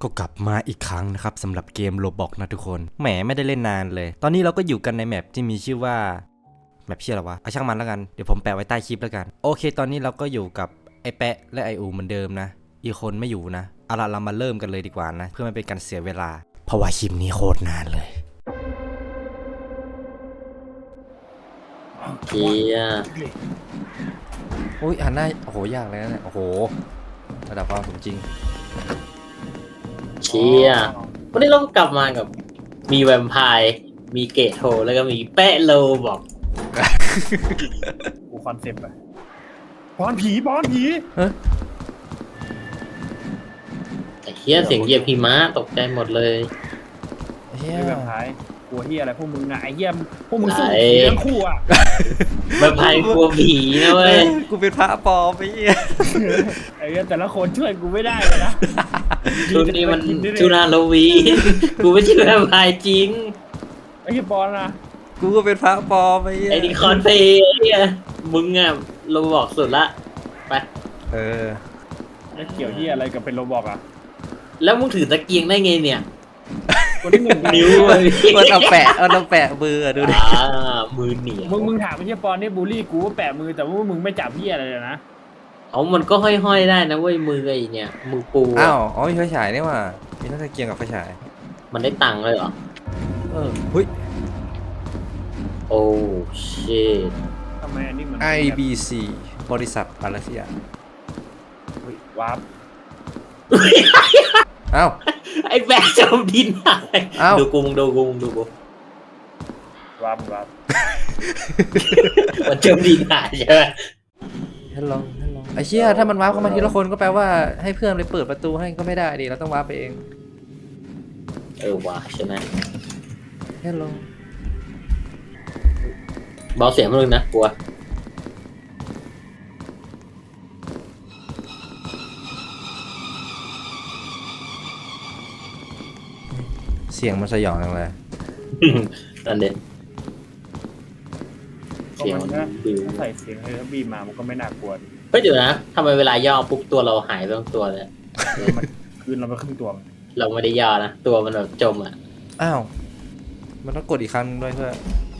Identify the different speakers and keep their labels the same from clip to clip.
Speaker 1: ก็กลับมาอีกครั้งนะครับสำหรับเกมโรบอกนะทุกคนแหมไม่ได้เล่นนานเลยตอนนี้เราก็อยู่กันในแมปที่มีชื่อว่าแมปชื่ออะไรวะเอาช่างมันแล้วกันเดี๋ยวผมแปะไว้ใต้คลิปแล้วกันโอเคตอนนี้เราก็อยู่กับไอแปะและไออูเหมือนเดิมนะอีกคนไม่อยู่นะเอาล่ะเรามาเริ่มกันเลยดีกว่านะเพื่อไม่เป็นการเสียเวลาเพราะว่าคลิปนี้โคตรนานเลย
Speaker 2: เชีย
Speaker 1: อุ้ยหันหน้าโอ้โหยากเลยนะเนี่ยโอ้โหระดับความสมจริง
Speaker 2: เชียวันนี้เราก็กลับมากับมีแวมไพร์มีเกตโฮแล้วก็มีแปะโลบอก
Speaker 3: กูคอนเซปต์อะบอลผี
Speaker 2: แต่เฮียเสียงเหยียบหิมะตกใจหมดเลย
Speaker 1: เฮีย
Speaker 3: ไม่แบบท้ายกลัวเฮียอะไรพวกมึงอะไอ้เฮียพวกมึงสู้ผีทั้งคู่อะ
Speaker 2: แวมไพร์กลัวผีนะเว้ย
Speaker 1: กูเป็นพระปลอมไปเฮีย
Speaker 3: ไอ้เฮียแต่ละคนช่วยกูไม่ได้เลยนะ
Speaker 2: ชุดนี้มันชุดฮาโลวีนกูไม่ใช่แวมไพร์จริง
Speaker 3: ไอ้เฮียบอลนะ
Speaker 1: กูก็เป็นพระปลอมไปเฮีย
Speaker 2: ไอ้นี่คอนเพลย์เฮียมึงอะเราบอกสุดละไป
Speaker 1: เออ
Speaker 3: แล้วเกี่ยวเฮียอะไรกับเป็นโรบอกอะ
Speaker 2: แล้วมึงถือตะเกียงได้ไงเนี่ย
Speaker 3: คนที่หนึ่ง
Speaker 2: นิ้วเลย
Speaker 1: มันเอาแปะมืออะดูดิ
Speaker 2: มือเหนียว
Speaker 3: มึงถามไอ้เฮียบอลนี่บูลลี่กูว่าแปะมือแต่ว่ามึงไม่จับเฮียอะไรเลยนะ
Speaker 2: เอามันก็ห้อยๆได้นะเว้ยมือไอ้เนี่ยมือปูอะ
Speaker 1: อ้าวอ๋อมีไฟฉายนี่หว่ามีทั้งตะเกียงกับไฟฉาย
Speaker 2: มันได้ตังค์เลยเหรอ
Speaker 1: เออเฮ้ย
Speaker 2: โอ้ชิต
Speaker 3: ทำไมอันนี้มัน
Speaker 1: IBC บริษัทอะไรสักอย่าง
Speaker 3: เฮ้ยวับ
Speaker 1: อ้าว
Speaker 2: ไอ้แบกจมดินหาย
Speaker 1: อ้าว
Speaker 2: ดูกูมึงดูกูมึงดูกู
Speaker 3: วับ
Speaker 2: มันจมดินหายใช่ไหม
Speaker 1: ฮัลโหลไอ้เชี่ยถ้ามันวาร์ปเข้ามาทีละคนก็แปลว่าให้เพื่อนไปเปิดประตูให้ก็ไม่ได้ดิเราต้องวาร์ปไปเอง
Speaker 2: ว่ะใช่ไหม
Speaker 1: ฮัลโหล
Speaker 2: เบาเสียงมึงนะกลัว
Speaker 1: เสียงมันสยองจังเลย
Speaker 2: นั่นเด็ด
Speaker 3: ก็
Speaker 2: เสียง
Speaker 3: มัน
Speaker 2: มัน
Speaker 3: ก็
Speaker 2: บิว
Speaker 3: ใส่เสียงเฮอร์บีมามันก็ไม่น่ากลัวดิ
Speaker 2: เฮ้ยเดี๋ยวนะทำไมเวลาย่อปุ๊บตัวเราหายไปทั้งตัวเลย
Speaker 3: มันคืนเราไปครึ่งตัวมัน
Speaker 2: เราไม่ได้ย่อนะตัวมันแบบจมอ่ะ
Speaker 1: อ้าวมันต้องกดอีกครั้งด้วยเพื่อ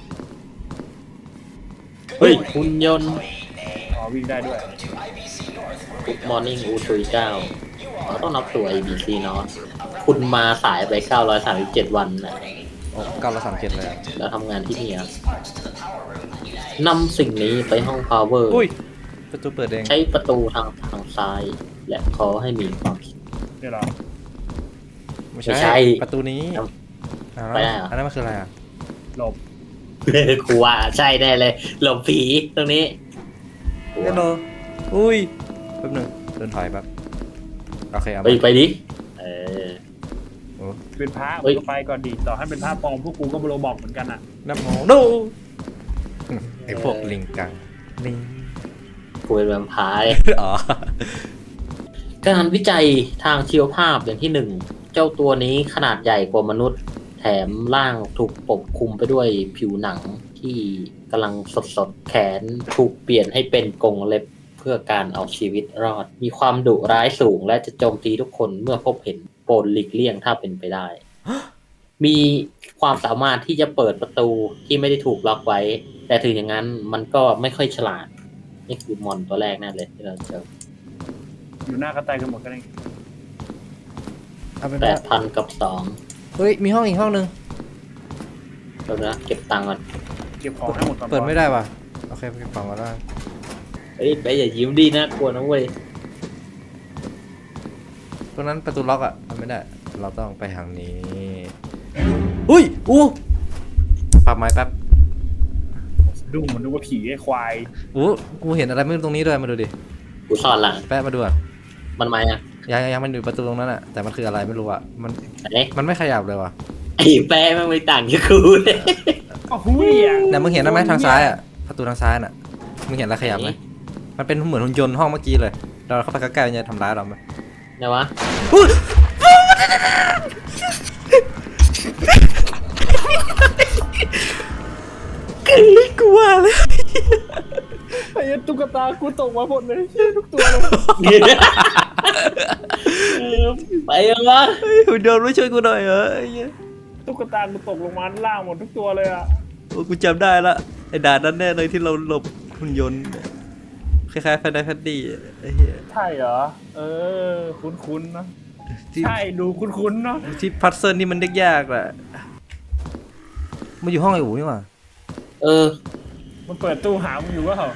Speaker 2: เฮ้ยหุ่นยนต์
Speaker 3: อ๋อวิ่งได้ด้วย
Speaker 2: มอร์นิ่งอูทุยเก้าเราต้องนับตัว ABC เนาะคุณมาสายไป937วันนะ
Speaker 1: โอ้937เลยอะ
Speaker 2: แล้วทำงานที่นี่ครับนำสิ่งนี้ไปห้อง power
Speaker 1: อุ้ยประตูเปิดเอง
Speaker 2: ใช้ประตูทางซ้าย และขอให้มีความคิด
Speaker 3: เนี่ยเหรอ
Speaker 1: ไม่
Speaker 2: ไม่ใช่
Speaker 1: ใช่ประตูนี้
Speaker 2: ครับ
Speaker 1: อ้าว
Speaker 2: ไปได้เหรอ
Speaker 1: อันนั้นมันคืออะไรอ่ะ
Speaker 3: หลบ
Speaker 2: ครูว่าใช่แน่เลยหลบผีตรงนี้
Speaker 1: ฮัลโหลอุ้ยแป๊บหนึงเดินถอยแบบโอเคเอา
Speaker 2: ไป
Speaker 1: มา
Speaker 2: ไปดิเออ
Speaker 1: โอ้
Speaker 3: เป็นพระ
Speaker 2: เฮ้ย
Speaker 3: ก็ไปก่อนดีต่อให้เป็นพระปลอมพวกกูก็โรบอกเหมือนกันอ่ะ
Speaker 1: นับโมโนไอพวกลิงกังลิง
Speaker 2: ครูเป็นแวมไพร์
Speaker 1: อ๋อ
Speaker 2: การวิจัยทางชีวภาพอย่างที่หนึ่งเจ้าตัวนี้ขนาดใหญ่กว่ามนุษย์ แถมร่างถูกปกคลุมไปด้วยผิวหนังที่กำลังสดๆแขนถูกเปลี่ยนให้เป็นกรงเล็บเพื่อการเอาชีวิตรอด มีความดุร้ายสูงและจะโจมตีทุกคนเมื่อพบเห็นโปรดหลีกเลี่ยงถ้าเป็นไปได้ มีความสามารถที่จะเปิดประตูที่ไม่ได้ถูกล็อกไว้ แต่ถึงอย่างนั้นมันก็ไม่ค่อยฉลาด นี่คือมอนตัวแรกนั่นเลยที่เราเจอ
Speaker 3: อยู่หน้ากระต่ายกันหมดกันเอง
Speaker 1: เอาเป็นว่า
Speaker 2: 8,000 กับ
Speaker 1: เฮ้ยมีห้องอีกห้องนึง
Speaker 2: 2เดี๋ยวนะเก็บตังค์ก่อน
Speaker 3: เก็บของให้หมดก่อน
Speaker 1: เปิดไม่ได้ว่ะโอเคไปเก็บของมาได้
Speaker 2: เฮ้ยไปอย่ายิ้มดีนะกลัวนะเว้ย
Speaker 1: ตรงนั้นประตูล็อกอ่ะทำไม่ได้เราต้องไปทางนี้อุ้ยอู้ปรับไม้แป๊บ
Speaker 3: ดุ้งมันดูว่าผีไอ้ควาย
Speaker 1: อู้กูเห็นอะไรไม่รู้ตรงนี้ด้วยมาดูดิ
Speaker 2: กูสอนหลัง
Speaker 1: แป๊บมาดูอ่ะ
Speaker 2: มันมาอ่ะ
Speaker 1: ยังมันอยู่ประตูตรงนั้นอ่ะแต่มันคืออะไรไม่รู้อ่ะมัน
Speaker 2: ไหน
Speaker 1: มันไม่ขยับเลยว่ะ
Speaker 2: ไอ้แป้มันไม่ต่างจากกูเลย
Speaker 3: ก็หุ้ยอ่ะ
Speaker 1: เนี่ยมึงเห็นไหมทางซ้ายอ่ะประตูทางซ้ายน่ะมึงเห็นอะไรขยับไหมมันเป็นเหมือนหุ่นยนต์ห้องเมื่อกี้เลยเราเข้าไปใกล้ๆมันจะทำร้ายเราไหม
Speaker 2: ไหนวะ
Speaker 1: กลัวเลย
Speaker 3: ไอ้ตุ๊กตากูตกมาหมดเลยเชี่ยทุกตัวเลย
Speaker 2: ผไปยังวะ
Speaker 1: เฮ้ยหุ่นยนต์ไม่ช่วยกูหน่อยเหรอไอ้เหี้ย
Speaker 3: ตุ๊กตากูตกลงมาด้านล่างหมดทุกตัวเลยอ่ะ
Speaker 1: โอ้กูจำได้ละไอ้ด่านนั้นแน่เลยที่เราหลบหุ่นยนต์คล้ายๆแฟนไดแฟนดี้ไอ้เหี้ย
Speaker 3: ใช่เหรอคุ้นๆนะ
Speaker 1: ที่
Speaker 3: ใช่ดูคุ้นๆเนาะ
Speaker 1: ที่พัซเซิลนี่มันยากๆแหละมันอยู่ห้องไอ้อู๋นี่หว่า
Speaker 2: เออ
Speaker 3: มันเปิดตู้หามึงอยู่ก็เหรอ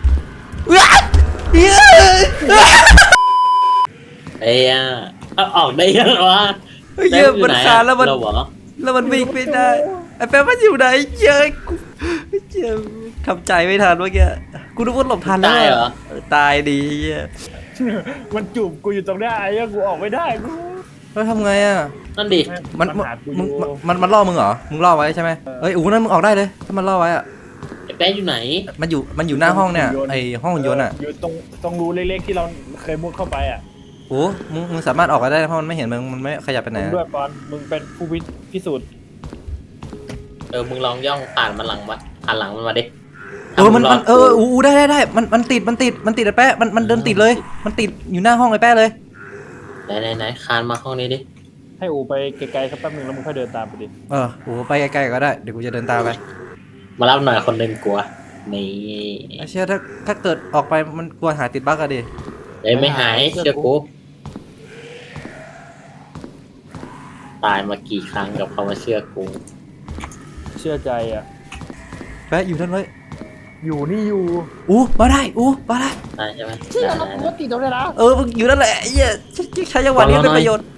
Speaker 2: ไอ้อะเอาออกได้ยังวะ
Speaker 1: เฮ้ยเหี้ยมันคานแล้วมัน
Speaker 2: เราเหรอ
Speaker 1: แล้วมันวิ่งไม่ได้ไอ้แป๊บมันอยู่ไหนเยอะกูเหี้ยทำใจไม่ทันเมื่อกี้กูนึกว่าหลบทันแล้ว
Speaker 2: ตายเหรอ
Speaker 1: ตายดีเหี้ย
Speaker 3: มันจูบกูอยู่ตรงเนี้ยไอ้เหี้ยกูออกไม่ได้กู
Speaker 1: แล้วทำไงอ่ะ
Speaker 2: นั่นดิ
Speaker 1: มัน
Speaker 3: หากูอ
Speaker 1: มึง
Speaker 3: ยู่
Speaker 1: มันล่อมึงเหรอมึงล่อไว้ใช่ไหมเอ้ยอู๋นั่นมึงออกได้เลยถ้ามันล่อไว้อ่ะ
Speaker 2: ไอ้แป๊ะอยู่ไหน
Speaker 1: มันอยู่หน้าห้องเนี่ยไอห้องหุ่นยนต์อ่ะ
Speaker 3: อยู่ตรงรูเล็กๆที่เราเคยมุดเข้าไปอ่ะ
Speaker 1: โอ้มึงสามารถออกก็ได้เพราะมันไม่เห็นมันไม่ขยับไปไหน
Speaker 3: มึง
Speaker 1: อะ
Speaker 3: ด้วยปอนมึงเป็นผู้พิสูจน์
Speaker 2: มึงลองย่องผ่านมันหลังมาผ่านหลังมันมาดิ
Speaker 1: มัน
Speaker 2: ถ้ามึงรด
Speaker 1: อูได้มันติดไอ้แป๊ะมันเดินติดเลยมันติดอยู่หน้าห้องไอ้แป๊ะเลย
Speaker 2: ไหนคานมาห้องนี้ดิ
Speaker 3: ให้อูไปไกลๆสักแป๊บนึงแล้วมึงค่อยเดินตามไปดิ
Speaker 1: อูไปไกลๆก็ได้เดี๋ยวกูจะเดินตามไป
Speaker 2: มารับหน่อยคนหนึ่งกลัวนี่
Speaker 1: ไอ้เชี่ยถ้าเกิดออกไปมันกลัวหาติดบั๊กอะดิ
Speaker 2: ไม่หายเชื่อกูตายมากี่ครั้งกับเขามาเชื่อกู
Speaker 3: เชื่อใจอ่ะ
Speaker 1: แป๊ะอยู่นั่นเลย
Speaker 3: อยู่นี่อยู่
Speaker 1: มาได้มาได้
Speaker 2: ได้ใช่ไหม
Speaker 3: เชื่อ
Speaker 2: ได้
Speaker 3: แล้ว
Speaker 2: ได้
Speaker 3: กูก็ติดตรงนี้นะ
Speaker 1: มึงอยู่นั่นแหละไอ้เหี้ยใช้จังหวะนี้เป็นประโยชน์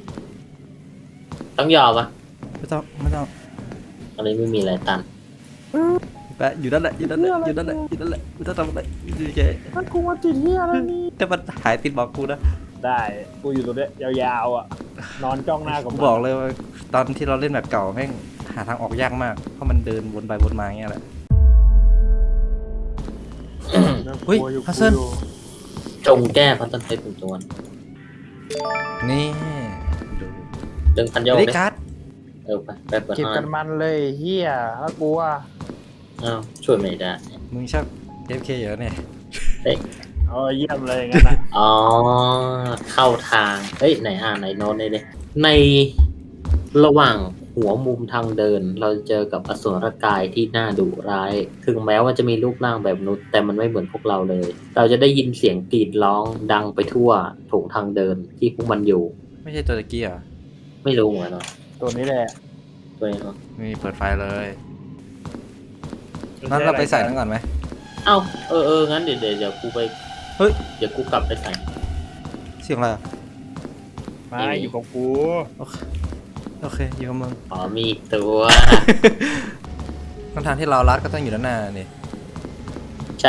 Speaker 2: ต้องยอมปะ
Speaker 1: ไม่ต้อง
Speaker 2: ตอนนี้ไม่มีอะไรตัน
Speaker 1: แป๊ะอยู่นั่นแหละไม่ต้องทำอะไรอยู่เฉย
Speaker 3: มันกูมาติดเหี้ยอะไรนี่
Speaker 1: แต่มันหายติดบอกกูนะ
Speaker 3: ได้กูอยู่ตรงเนี้ยยาวๆอ่ะนอนจ้องหน้ากับ
Speaker 1: กู
Speaker 3: มัน
Speaker 1: บอกเลยว่าตอนที่เราเล่นแบบเก่าแม่งหาทางออกยากมากเพราะมันเดินวนไปวนมาอย่างเงี้ยแหละ เฮ้ย
Speaker 3: กลัวอ
Speaker 1: ฮัสเซิล
Speaker 3: กลัวอยู่
Speaker 2: จงแก้พัฒนเทปเป็นตัว
Speaker 1: นี่ดู
Speaker 2: ดึงพันโยก
Speaker 1: ได้
Speaker 2: ดิ
Speaker 1: การ์ด
Speaker 2: ไปเปิด
Speaker 3: เก็บ
Speaker 2: ห้อง
Speaker 3: กันมันเลยเฮียแล้วกูว่า
Speaker 2: อ้าวช่วยไม่ได้
Speaker 1: มึงชอบ FK เยอะเนี่ย
Speaker 3: เยี่ยมเลยงั้นนะ
Speaker 2: อ๋อเข้าทางเฮ้ยไหนไหนโน้ตเลยในระหว่างหัวมุมทางเดิน เราจะเจอกับอสูรกายที่น่าดุร้าย ถึงแม้ว่าจะมีรูปร่างแบบมนุษย์แต่มันไม่เหมือนพวกเราเลย เราจะได้ยินเสียงกรีดร้องดังไปทั่วโถงทางเดินที่พวกมันอยู่
Speaker 1: ไม่ใช่ตัวตะกี้เหรอ
Speaker 2: ไม่รู้เหมือนกันเนาะ
Speaker 3: ตัวนี้แหละ
Speaker 2: ตัวนี้เนาะ
Speaker 1: มีเปิดไฟเลยงั้นเราไปใส่นั่นก่อนไหม
Speaker 2: เอ้างั้นเดี๋ยวกูไป
Speaker 1: เฮ้ย
Speaker 2: เดี๋ยวกูกลับไปใส่
Speaker 1: เสียงอะไรอะ
Speaker 3: มาอยู่กับกู
Speaker 1: โอเคอยู่กับมึง
Speaker 2: อ๋อมีอีกตัว
Speaker 1: ทางที่เรารัดก็ต้องอยู่ด้านหน้านี่
Speaker 2: ใช่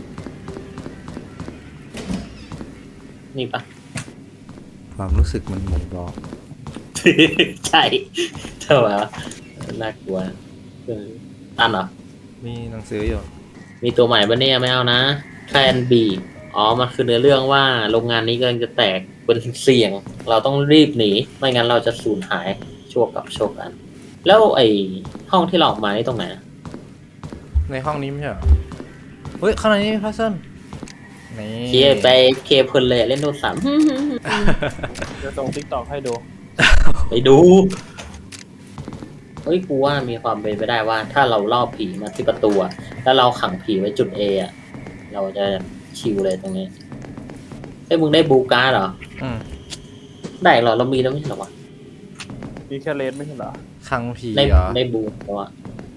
Speaker 2: นี่ปะ
Speaker 1: ความรู้สึกมันบ่งบอก
Speaker 2: ใช่เท่าไหร่วะน่ากลัวตันเหรอ
Speaker 1: มีหนังสืออยู่
Speaker 2: มีตัวใหม่ปะเนี่ยไม่เอานะแคลนบีอ๋อ มันคือเนื้อเรื่องว่าโรงงานนี้กำลังจะแตกเป็นเสี่ยง เราต้องรีบหนี ไม่งั้นเราจะสูญหายชั่วกับโชคกัน แล้วไอ้ห้องที่เราออกมานี่ตรงไหนอะ
Speaker 1: ในห้องนี้ไม่ใช่เหรอเฮ้ยข้างในนี้มีพัซเซิลนี่
Speaker 2: เคลียร์ไปเคลียร์เพลินเลยเล่นโน้ตสาม
Speaker 3: จะส่งติ๊กต็อกให้ดู
Speaker 2: ไปดู เฮ้ยกูว่ามีความเป็นไปได้ว่า ถ้าเราล่อผีมาที่ประตูอะแล้วเราขังผีไว้จุด A อะเราจะชิวเลยตรงนี้เฮ้ยมึงได้บูการ์ดเหรอ
Speaker 1: อืม
Speaker 2: ได้เหรอเรามีแล้วไม่ใช่เหรอวะ
Speaker 3: มีแค่เลนไม่ใช่เหรอ
Speaker 1: ขังผี
Speaker 2: ได้
Speaker 1: เหรอ
Speaker 2: ได้บูแต่ว่า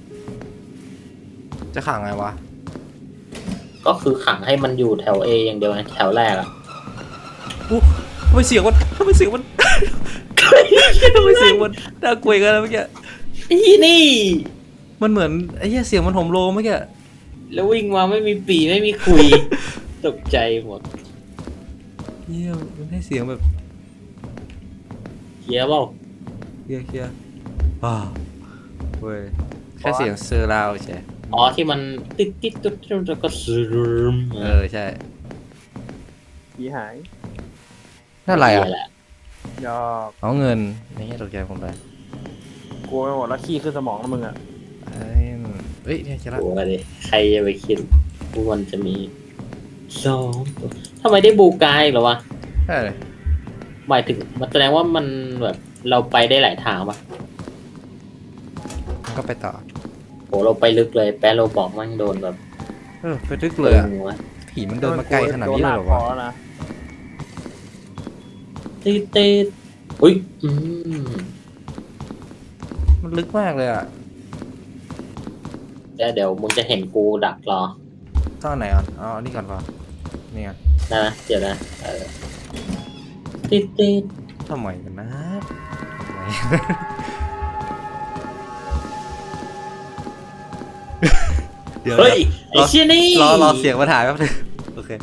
Speaker 1: จะขังไงวะ
Speaker 2: ก็คือขังให้มันอยู่แถว A อย่างเดียวไงแถวแรกอะ
Speaker 1: ทำไมเสียงมันทำไมเสียงมันน่ากลัวกันแล้วเมื่อกี้
Speaker 2: อีนี่
Speaker 1: มันเหมือนไอ้เหี้ยเสียงมันโหมโลงเมื่อกี้
Speaker 2: แล้ววิ่งมาไม่มีปีไม่มีคุย ตกใจหมด
Speaker 1: เหี้ยมันให้เสียงแบบ
Speaker 2: เกียร์เปล่า
Speaker 1: เคลียร์เว้ยแค่เสียงเซอร์ราวใช่
Speaker 2: อ๋อที่มันติดแล้วก็ซึม
Speaker 1: ใช่
Speaker 3: ผีหาย
Speaker 1: นั่นอะไรอ่ะ
Speaker 2: แหละ
Speaker 3: ยอก
Speaker 1: เอาเงินในเงี้ยตกใจผมไป
Speaker 3: กลัวไปหมดแล้วขี้ขึ้นสมองแล้วมึงอ่ะ
Speaker 1: เฮ้ยเนี่ยจะละ
Speaker 2: โอ้ยดิใครจะไปคิดว่ามันจะมี2 ตัวทำไมได้บูกายเหรอวะ
Speaker 1: ใช่เลย
Speaker 2: หมายถึงมันแสดงว่ามันแบบเราไปได้หลายทางปะ
Speaker 1: ก็ไปต่อ
Speaker 2: โหเราไปลึกเลยแปะเราบอกมันโดนแบบ
Speaker 1: ไปลึกเลยอะ
Speaker 2: หัว
Speaker 1: ผีมันเดินมาไกลขนาดนี้เลยเหรอวะ
Speaker 3: โดนหนักพอนะ
Speaker 2: ตีอุ้ย
Speaker 1: มันลึกมากเลยอ่ะ
Speaker 2: เดี๋ยวมึงจะเห็นกูดักรอ
Speaker 1: ต้องอันไหนอ่ะอ๋อนี่ก่อนป่ะนี่ไง
Speaker 2: นะเดี๋ยวนะตี
Speaker 1: ทำไมกันนะทำไม เดี๋ยว
Speaker 2: เฮ้ยไอ้เชี่ยนี่
Speaker 1: รอเสียงมาถ่ายแป๊บนึงโอเค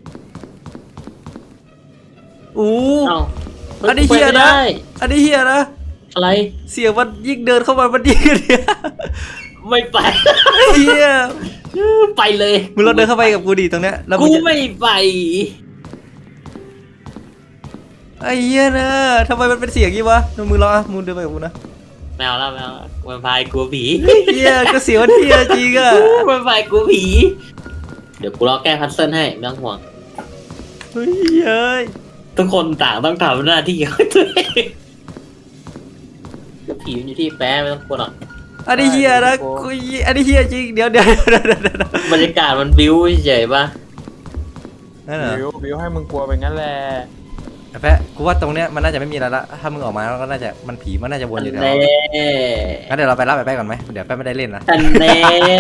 Speaker 1: อู้
Speaker 2: เอ้า
Speaker 1: อันนี้เหี้ยนะ
Speaker 2: ไปไม่ได้
Speaker 1: อันนี้เฮียนะ
Speaker 2: อะไร
Speaker 1: เสียงมันยิ่งเดินเข้ามามันยิ่งเนี่ย
Speaker 2: ไม่ไป
Speaker 1: เฮีย
Speaker 2: ไปเลย
Speaker 1: มึงลองเดินเข้าไปกับกูดีตรงเนี้ยแล้วมึ
Speaker 2: กู
Speaker 1: งจะ
Speaker 2: ไม่ไป
Speaker 1: ไอ้เฮียนะทำไมมันเป็นเสียงงี้วะมึงรอมึงเดินไปกับกูนะ
Speaker 2: แมวแล้วมันพายกลัวผี
Speaker 1: เฮียก็เสียงมันเฮียจริงอ่ะ
Speaker 2: มันพายกลัวผี เดี๋ยวกูรอแก้พัซเซิลให้ไม่ต้องห่วง
Speaker 1: เฮ้ยเอ้ย
Speaker 2: ทุกคนต่างต้องทำหน้าที่ของตัวเองผีมันอยู่ที่แป๊ะไม่ต้องกลัวหรอก
Speaker 1: อันนี้เฮียนะกูอันนี้เฮียจริงเดี๋ยว
Speaker 2: บรรยากาศมันบิ้วเฉยๆป่ะ
Speaker 1: นั่นเหรอ
Speaker 3: บิวให้มึงกลัวไปงั้นแหละ
Speaker 1: ไอ้แปะกูว่าตรงเนี้ยมันน่าจะไม่มีอะไรละถ้ามึงออกมาแล้วก็น่าจะมันผีมันน่าจะวนอยู่แถว
Speaker 2: แน่
Speaker 1: งั้นเดี๋ยวเราไปรับไอ้แปะก่อนไหมเดี๋ยวแปะไม่ได้เล่นนะ
Speaker 2: อันแน่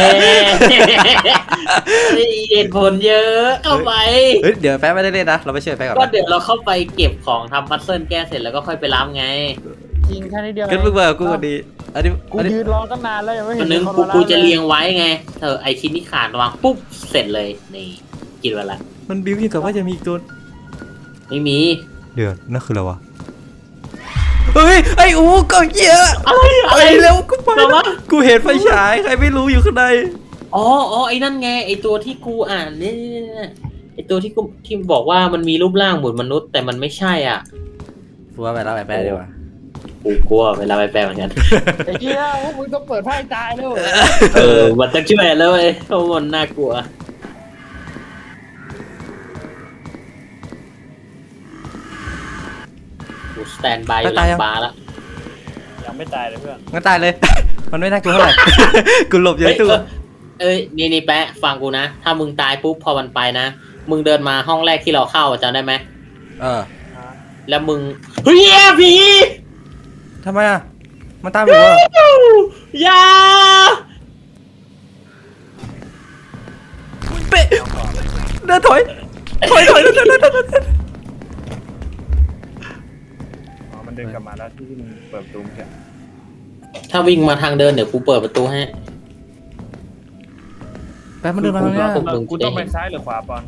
Speaker 2: เหตุผลเยอะเข้าไป
Speaker 1: เฮ้ยเดี๋ยวแปะไม่ได้เล่นนะเราไปช่วยแปะก่อน
Speaker 2: ก็
Speaker 1: นะ
Speaker 2: เดี๋ยวเราเข้าไปเก็บของทำพัซเซิลแก้เสร็จแล้วก็ค่อยไปรับไง
Speaker 3: จริงแค่นี้เดียว
Speaker 1: งั้นมึงมากับกูวันดีอันนี้
Speaker 3: กู
Speaker 1: อันนี้
Speaker 3: ยืนรอตั้งนานแล้วยังไม่
Speaker 2: วั
Speaker 3: เห็
Speaker 2: น
Speaker 3: น
Speaker 2: นึง
Speaker 3: เขา
Speaker 2: กู
Speaker 3: มา
Speaker 2: จะเรียงไว้ไงเธอไอชิ้นที่ขาดวางปุ๊บเสร็จเลยนี่กินไปละ
Speaker 1: มันบิ้วยิ่งกับว่าจะมีอีกตัว
Speaker 2: ไม่มี
Speaker 1: เดี๋ยวนั่นคืออะไรวะเฮ้ยไอ้อูก็เยอะ
Speaker 2: อะไร
Speaker 1: ไปเร็วกูไป
Speaker 2: แต่ว่า
Speaker 1: กูเห็นไฟฉายใครไม่รู้อยู่ข้างใน
Speaker 2: อ๋อไอ้นั่นไงไอ้ตัวที่กูอ่านเนี่ยไอ้ตัวที่กูที่บอกว่ามันมีรูปร่างเหมือนมนุษย์แต่มันไม่ใช่อ่ะ
Speaker 1: กูว่าไปรับไอ้แปะดีกว่า
Speaker 2: กูกลัวเวลาไปแปลเหมือนกัน
Speaker 3: ไอ้เหี้ยพวกมึงต้องเปิดไพ่ตายแล้ว
Speaker 2: มันต้องช่วยแล้วเว้ยเพราะมันน่ากลัวกูสแตนบายอยู่หลังบาร์แล้ว
Speaker 3: ยังไม่ตายเลยเพื่อน
Speaker 1: งั้นตายเลย มันไม่น่ากลัวเท่าไหร่ กูหลบอยู่ในตู้
Speaker 2: เอ้ยนี่แปะฟังกูนะ ถ้ามึงตายปุ๊บพอมันไปนะ มึงเดินมาห้องแรกที่เราเข้าจำได้ไหม
Speaker 1: เออ
Speaker 2: แล้วมึงเฮ้ยผี
Speaker 1: ทำไมอ่ะมันตามอยู่วะ
Speaker 2: อย่า
Speaker 1: เป๊ะเดินถอยเดิน
Speaker 3: อ๋อมันเดินกลับมาแล้วที่มึงเปิดประตูเมื่อกี้
Speaker 2: ถ้าวิ่งมาทางเดินเดี๋ยวกูเปิดประตูให้
Speaker 1: แป๊บมันเดินมาแล้วเนี่ย
Speaker 2: พวกมึง
Speaker 3: กูต้องไปซ้ายหรือขวาปอน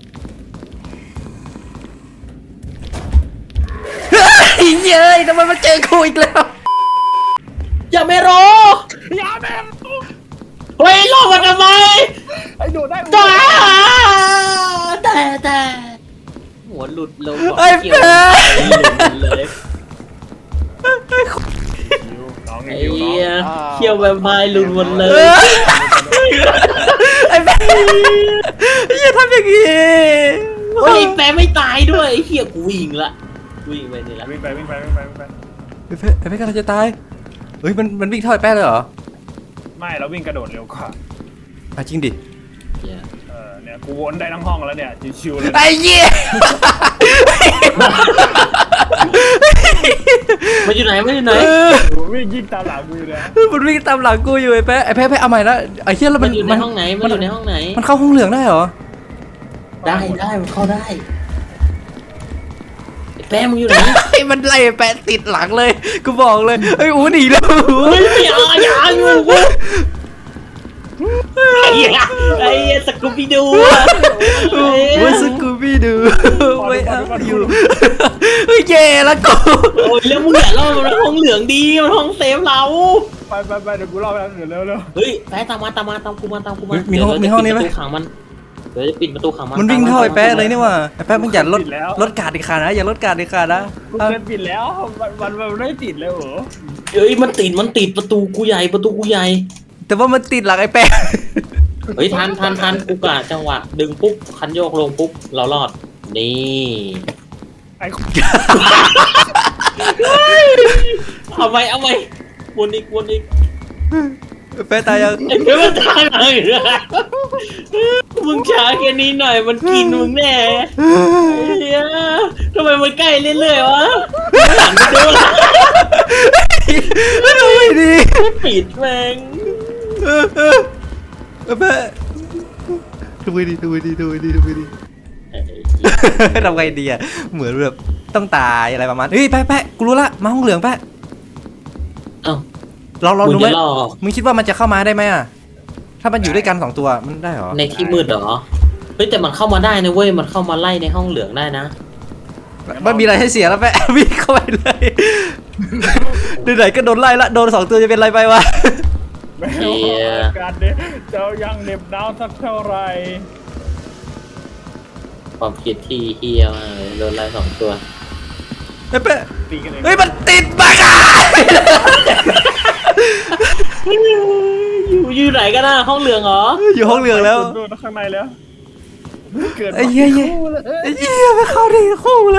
Speaker 1: ไอ้เย้ยทำไมมันเจอกูอีกแล้ว
Speaker 2: อย่าไม่รอ
Speaker 3: อย่าแม่ง
Speaker 2: เฮ้ยรอมันทำไม
Speaker 3: ไอ้โดดได้
Speaker 2: จ้าแต่หัวหลุดลง
Speaker 1: ไอ้
Speaker 2: เกี่ยว
Speaker 1: แป๊ะ
Speaker 2: เลย
Speaker 3: น้อง
Speaker 2: ไอ้
Speaker 3: อยู่น้
Speaker 2: เหี้ย
Speaker 3: อง
Speaker 2: เขี้ยวแวมไพร์หลุดหมดเลย
Speaker 1: ไอ้แป๊ะอย่าทำอย่างนี้
Speaker 2: เฮ้ยแปะไม่ตายด้วยไอ้เหี้ยกูวิ่งละวิ่งไปนี่ละ
Speaker 3: วิ่งไป
Speaker 1: ไอ้แป๊ะกำลังจะตายเฮ้ยมันวิ่งเท่าไอ้แป๊ะเลยเหรอ
Speaker 3: ไม่เราวิ่งกระโดดเร็วกว่า
Speaker 1: อ่ะจริงดิ
Speaker 3: เนี่ยกูวนได้ทั้งห้องแล้วเนี่ยชิวๆเลย
Speaker 1: ไอ้เหี้ย
Speaker 2: มันอยู่ไหน
Speaker 3: วิ่งยิงตามหลังกูอยู่เลย
Speaker 1: มันวิ่งตามหลังกูอยู่ไอ้แป๊ะเอาใหม่ละไอ้เหี้ยแล้ว
Speaker 2: มั
Speaker 1: มัน น
Speaker 2: อยู่ในห้องไหนมันอยู่ในห้องไหน
Speaker 1: มันเข้าห้องเหลืองได้เหรอ
Speaker 2: ได้มันเข้าได้ไอ้แป๊ะมึงอยู่ไหน
Speaker 1: ไอ้มันไล่ไอ้แป๊ะติดหลังเลยกูบอกเลยไอ้ยอูหนีแล้วอู
Speaker 2: เฮ้ยอย่าอยู่กูไอ้เหี้ยสกูปี้ดูอะ
Speaker 1: อูสกูบี้ดูไม่เอาอยู่เฮ้ยเย่แล้วกู
Speaker 2: โอ้ยแล้วมึงอย่าล่อมันห้องเหลืองดีมันห้องเซฟเรา
Speaker 3: ไปเดี๋ยวกูรอไปเดี๋ยวเร็ว
Speaker 2: เฮ้ยแป๊ะตามกูมา
Speaker 1: มีห้องนี้ไหม
Speaker 2: เดี๋ยวจะปิดประตูขังมันเดี๋ยวจะปิดประตูขังมัน
Speaker 1: มันวิ่งเท่าไอ้แป๊ะเลยนี่ว่ะไอ้แป๊ะมึงอย่าลดการ์ดอีกขานะอย่าลดการ์ดอีกขานะ
Speaker 3: กูเกินปิดแล้วมันไม่ติดเลยเหรอ
Speaker 2: เฮ้ยมันติดประตูกูใหญ่
Speaker 1: แต่ว่ามันติดหลังไอ้แป๊ะ
Speaker 2: เฮ้ยทันกูกะจังหวะดึงปุ๊บคันโยกลงปุ๊บเรารอดนี่
Speaker 3: ไอ้
Speaker 2: เอาไหมวนอีก
Speaker 1: แปะตายยัง
Speaker 2: ไอ้เพื่อนตายเลยมึงช้าแค่นี้หน่อยมันกินมึงแน่เฮียทำไมมันใกล้เรื่อยๆวะหันไปดูละ
Speaker 1: ดูไม่ดี
Speaker 2: ปิดแม่ง
Speaker 1: แปะดูไม่ดีทำไงดีอ่ะเหมือนแบบต้องตายอะไรประมาณเฮ้ยแปะกูรู้ละมาห้องเหลืองแปะ
Speaker 2: เอ้า
Speaker 1: เรา
Speaker 2: มึ
Speaker 1: ดู
Speaker 2: ง
Speaker 1: ไหม
Speaker 2: จะรอ
Speaker 1: มึงคิดว่ามันจะเข้ามาได้ไหมอ่ะถ้ามันอยู่ด้วยกัน2ตัวมันได้หรอ
Speaker 2: ในที่มืดเหรอเฮ้ยแต่มันเข้ามาได้นะเว้ยมันเข้ามาไล่ในห้องเหลืองได้นะ
Speaker 1: มันมีอะไรให้เสียแล้วแปะ วิ่งเข้าไปเลยไหนๆก็โดนไล่ละโดน2ตัวจะเป็นไรไปวะ
Speaker 3: แม่การเด้เจ้ายังเหน็บหนาวสักเท่าไหร่
Speaker 2: ความคิดที่เฮียมากเลยโดนไล่2 ตัว
Speaker 1: แปะ
Speaker 3: ตีกันเอง
Speaker 1: เฮ้ยมันติดบักอ่ะ
Speaker 2: อยู่ไหนกันนะห้องเหลืองเหรอ
Speaker 1: อยู่ห้องเหลืองแล้ว
Speaker 3: โดนข้างในแล้วเกิด
Speaker 1: ไอ้เหี้ยไม่เข้าได้คู่เลย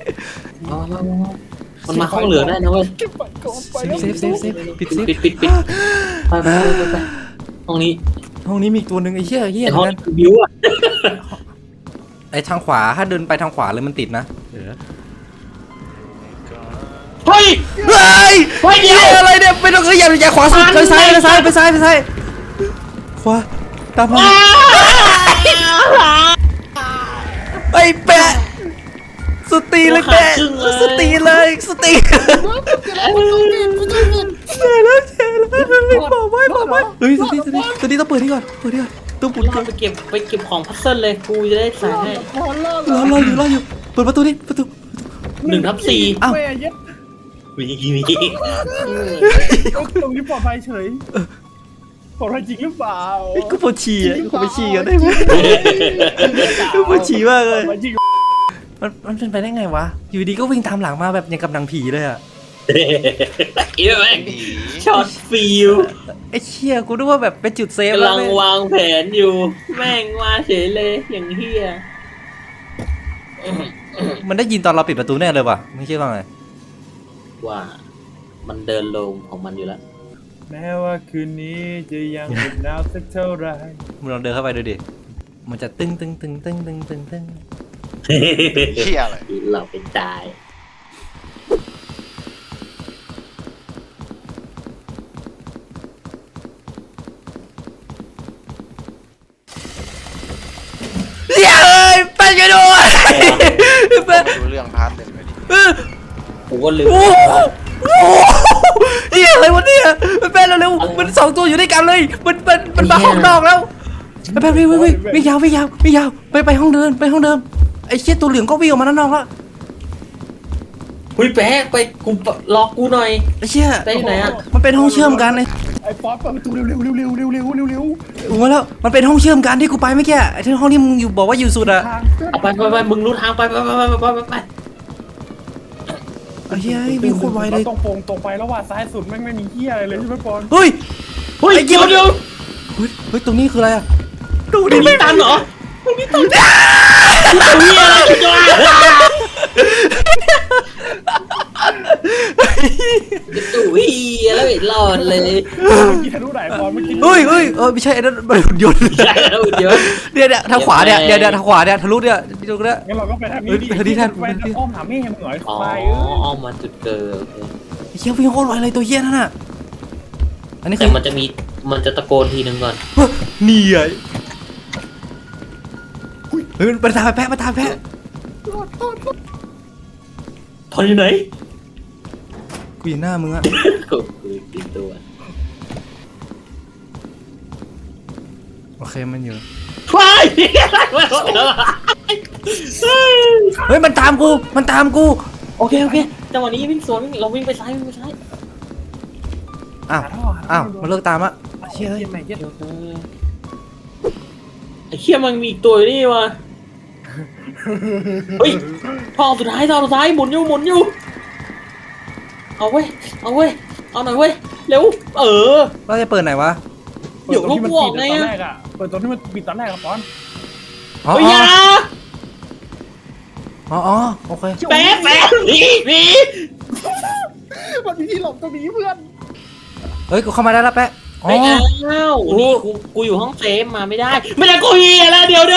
Speaker 2: มันมาห้องเหลืองได้นะเว้ย
Speaker 3: เก็บไปก่อนไป
Speaker 1: เซฟปิดเซฟ
Speaker 2: ปิดไปห้องนี้
Speaker 1: ห้องนี้มีอีกตัวหนึ่งไอ้เหี้ย
Speaker 2: ไอห้อง
Speaker 1: นั้น
Speaker 2: บิวอะ
Speaker 1: ไอ้ทางขวาถ้าเดินไปทางขวาเลยมันติดนะ
Speaker 2: เฮ้ย
Speaker 1: เฮ้ย
Speaker 2: เฮ้ยเดี๋ยว
Speaker 1: อะไรเนี่ยไปตรงอย่าขวาสุดไปซ้ายขวาตามมาไอ้แปะสตีเลยแปะสตีเลยไม่บอกไว้เฮ้ยสตีต้องเปิดนี่ก่อนต้องปุ่น
Speaker 2: เรา
Speaker 1: ก่อน
Speaker 2: ไปเก็บของพัซเซิลเลยกูจะได้ใส่ให้
Speaker 1: รออยู่เปิดประตู
Speaker 2: 1/4
Speaker 1: อ้าว
Speaker 3: แม่เย็ด
Speaker 2: มี
Speaker 3: ตรงนี้ปลอดภัยเฉยปลอดภัยจริงหรือเปล่า
Speaker 1: กูปวดฉี่อ่ะกูไปฉี่กันได้ไหมกูปวดฉี่มากเลย
Speaker 3: ปลอดภัยจริง
Speaker 1: มันเป็นไปได้ไงวะอยู่ดีก็วิ่งตามหลังมาแบบอย่างกับหนังผีเลยอ่ะ
Speaker 2: เอ้ยแม่งช็อตฟิล
Speaker 1: ไอ้เชี่ยกูนึกว่าแบบเป็นจุดเซฟ
Speaker 2: กำ
Speaker 1: แล้
Speaker 2: ลั
Speaker 1: ว
Speaker 2: ง
Speaker 1: แม่ง
Speaker 2: วางแผนอยู่แม่งมาเฉยเลยอย่างเฮีย
Speaker 1: มันได้ยินตอนเราปิดประตูแน่เลยว่ะไม่คิดว่าไง
Speaker 2: ว่ามันเดินลงของมันอยู่แล้ว
Speaker 3: แม้ว่าคืนนี้จะยังเหน็บหนาวสักเท่าไหร่
Speaker 1: มึงลองเดินเข้าไปดูดิมันจะตึ้ง
Speaker 4: เหี้ยอะไร
Speaker 2: เราไปตาย
Speaker 1: เดี๋ยวไปกันด้วยไป
Speaker 4: ดูเรื่องพาร์ทหนึ่งเลยดิ
Speaker 2: กูก็ลืม
Speaker 1: โอ้เฮียอะไรวะเนี่ยมันเป็นเร็วๆมัน2ตัวอยู่ด้วยกันเลยมันมาห้องนอกแล้วไปวิ่งยาวไปห้องเดิมไอ้เชี่ยตัวเหลืองก็วิ่งออกมาด้านนอกแล้ว
Speaker 2: เฮ้ยแป๊กไปกูรอกูหน่อย
Speaker 1: ไอ้เชี่ย
Speaker 2: ไปไหนอะ
Speaker 1: มันเป็นห้องเชื่อมกันไอ้
Speaker 3: ไอ้ป๊อปเปิดประตูเร็ว
Speaker 1: ถูกแล้วมันเป็นห้องเชื่อมกันที่กูไปเมื่อกี้ไอ้ที่ห้องที่มึงอยู่บอกว่าอยู่สุดอะ
Speaker 3: ทาง
Speaker 2: เอาไปมึงรู้ทางไป
Speaker 1: ไอ้เหี้ยวิ่งโคตรไวเลย
Speaker 3: ตรงไปแล้วว่าซ้ายสุดแม่งไม่มีเหี้ยอะไรเลยใช่ไหมปอน
Speaker 1: เฮ้ย
Speaker 2: เฮ้ยเดี๋ยว
Speaker 1: เฮ้ยตรงนี้คืออะไรอะดู
Speaker 2: ตร
Speaker 1: ดิ
Speaker 2: งนี้ตันเหรอตรงนี้อะไรจ้าตู้เฮียแล้วไม่รอดเลย
Speaker 3: เมื่อกี้ทะลุไหนปอนเมื่อกี้
Speaker 1: เฮ้ยไม่ใช่ไอ้นั่นมันหุ่นยนต์
Speaker 2: ใช่แล้วเดี๋ยว
Speaker 1: เนี่ยทางขวาเนี่ยทางขวาเนี่ยทะลุเนี่ยตรงนี้
Speaker 3: งั้นเราก็ไปทางนี้ดิ
Speaker 1: ไปทางนี้แทน
Speaker 3: ไปทางอ้อมหาแม่มึงหน่อย
Speaker 2: อ๋อ
Speaker 3: ไป
Speaker 2: ออกมาจุดเกิด
Speaker 1: ไอ้เหี้ยวิ่งโคตรไวเลยตัวเหี้ยนั่นน่ะอันนี้คื
Speaker 2: แต่
Speaker 1: อ
Speaker 2: มันจะตะโกนทีนึงก่อน
Speaker 1: นี่ไงเฮ้ยมันตามแพะ
Speaker 2: ทนอยู่ไหน
Speaker 1: กูอยู่หน้ามึงอะ
Speaker 2: กูติดตัว
Speaker 1: โอเคมันอยู่
Speaker 2: ควาย
Speaker 1: เฮ้ยมันตามกู
Speaker 2: โอเคจังหวะนี้วิ่งสวนเราวิ่งไปซ้าย
Speaker 1: อ้าวมันเลิกตามอะเชี่ย
Speaker 3: เหี้ยไหนเหี้ย
Speaker 2: ไอ้เขี้ยมันมีอีกตัวอยู่นี่วะเฮ้ยทองสุดท้ายหมุนอยู่เอาเว้ยเอาหน่อยเว้ยเร็ว
Speaker 1: เราจะเปิดไหนวะ
Speaker 3: เปิดตรงที่มันปิดตอนแรกอะเปิดตรงที่มันปิดตอนแรกอะปอน
Speaker 1: อ๋อ
Speaker 2: เฮ้ยยา
Speaker 1: อ๋อโอเค
Speaker 2: แป๊บหนี
Speaker 3: มันมีที่หลบตรงนี้เพื่อน
Speaker 1: เฮ้ยกูเข้ามาได้แล้วแปะอ๋อ
Speaker 2: ไม่เอานี่กูอยู่ห้องเซฟมาไม่ได้กูเฮียแล้วเดี๋ยว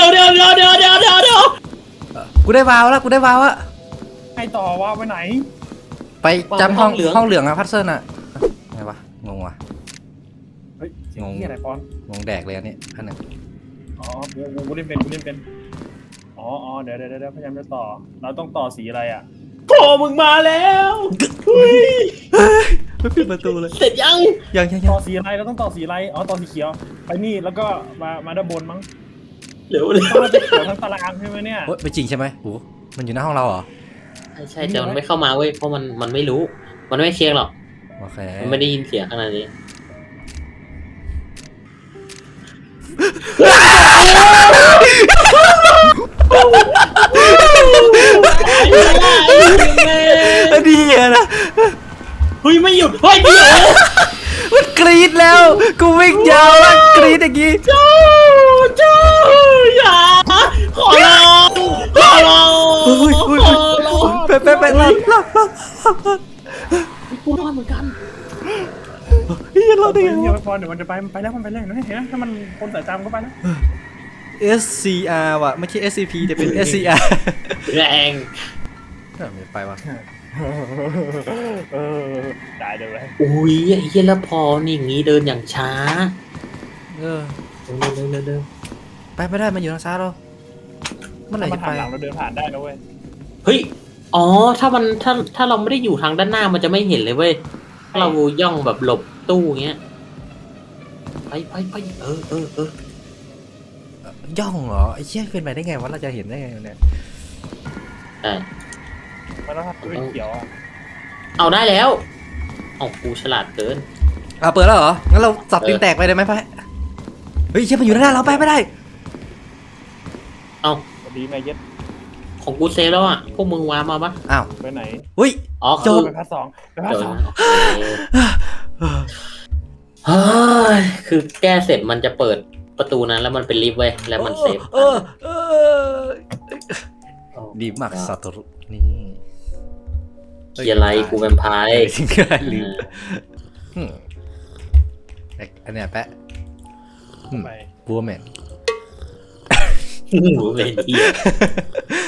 Speaker 1: กูได้วาวแล้วกูได้วาวอะ
Speaker 3: ให้ต่อว่าไปไหน
Speaker 1: ไปจำห้องเหลืองอะพัซเซิลอะไงวะงงวะ
Speaker 3: เฮ้ยเสียงที่อะไรปอน
Speaker 1: งงแดกเลยอันนี้อันนึง
Speaker 3: อ๋อกูเล่นเป็นอ๋อเดี๋ยวพยายามจะต่อเราต้องต่อสีอะไรอ่ะ
Speaker 2: โผล่มึงมาแล้วเฮ้ย
Speaker 1: ไม่ปิดประตูเลย
Speaker 2: เสร็จยัง
Speaker 1: ยัง
Speaker 3: ต่อสีอะไรเราต้องต่อสีอะไรอ๋อต่อสีเขียวไปนี่แล้วก็มาด้านบนมั้ง
Speaker 2: เร็ว
Speaker 3: ต้องมาจะเขียวทั้งตารางใช่ไหมเนี่ย
Speaker 1: โอ๊ยไม่จริงใช่ไหมโหมันอยู่หน้าห้องเราเหรอ
Speaker 2: ใช่แต่มันไม่เข้ามาเว้ยเพราะมันไม่รู้มันไม่เช็คหรอก
Speaker 1: โอเค
Speaker 2: มันไม่ได้ยินเสียงขนาดนี้
Speaker 1: ดีอะนะ
Speaker 2: เฮ้ยไม่หยุดเฮ้ยเดี๋ยว
Speaker 1: มันกรี๊ดแล้วกูวิ่งยาวแล้วกรี๊ดอย่างงี้
Speaker 2: เจ้าอย่าขอร้อง
Speaker 1: ไปรอด
Speaker 2: กูรอดเหมือนกัน
Speaker 1: เฮ้ยรอดได้ไง
Speaker 3: เดี๋ยว
Speaker 1: วะ
Speaker 3: พอเดี๋ยวมันจะไปแล้วมันไปแล้วนะเห็นไหมถ้ามันคนสายตามก็ไปแล้ว
Speaker 1: SCR ว่ะไม่ใช่ SCP แต่เป็น SCR
Speaker 2: แรง
Speaker 1: ไม่ไปว่ะ
Speaker 3: ได้เดี๋ยวเลย
Speaker 2: อุ้ยไอ้เหี้ยแล้วพอนี่อย่างงี้เดินอย่างช้า
Speaker 1: เออ
Speaker 2: เดิน
Speaker 1: ไปไม่ได้มันอยู่ทางซ้ายเราเมื่อไหร่
Speaker 3: ถ้ามัน
Speaker 1: จะ
Speaker 3: หั
Speaker 1: ไป
Speaker 3: นหลังเราเดินผ่านได้นะเว้ย
Speaker 2: เฮ้ยอ๋อถ้าเราไม่ได้อยู่ทางด้านหน้ามันจะไม่เห็นเลยเว้ยถ้าเราย่องแบบหลบตู้เงี้ยไปเอ
Speaker 1: ย่องเหรอไอ้เชี่ยเป็นไปได้ไงวะเราจะเห็นได้ไงเนี่ย
Speaker 2: ใช่
Speaker 3: มันต้องทำตัวเขียวอ่ะ
Speaker 2: เอาได้แล้วเอากูฉลาดเกิน
Speaker 1: เปิดแล้วเหรองั้นเราสับตีนแตกไปได้ไหมไปเฮ้ยเชี่ยมันอยู่ด้านหน้าเราไปไม่ได้
Speaker 2: เอา
Speaker 3: สวัสดีแม่เย็ด
Speaker 2: ของกูเซฟแล้วอ่ะพวกมึงวามาปะ
Speaker 1: อ้าว
Speaker 3: ไปไหน
Speaker 1: อุ้ย
Speaker 2: อ๋อ
Speaker 1: จ
Speaker 2: คือบ
Speaker 3: ไปพัดสองไปพัด
Speaker 2: เดี๋ยว
Speaker 3: สอง
Speaker 2: นะเฮ้ยคือแก้เสร็จมันจะเปิดประตูนั้นแล้วมันเป็นลิฟต์เว้ยแล้วมันเซฟ
Speaker 1: ดีมากสัตว์นี่
Speaker 2: เกียร์ไรกูแวมไพร์
Speaker 1: ทิ้งได้ลืมอันเนี้ยแปะ
Speaker 3: ไป
Speaker 1: บัวแมน
Speaker 2: หนูเป็นเหี้ย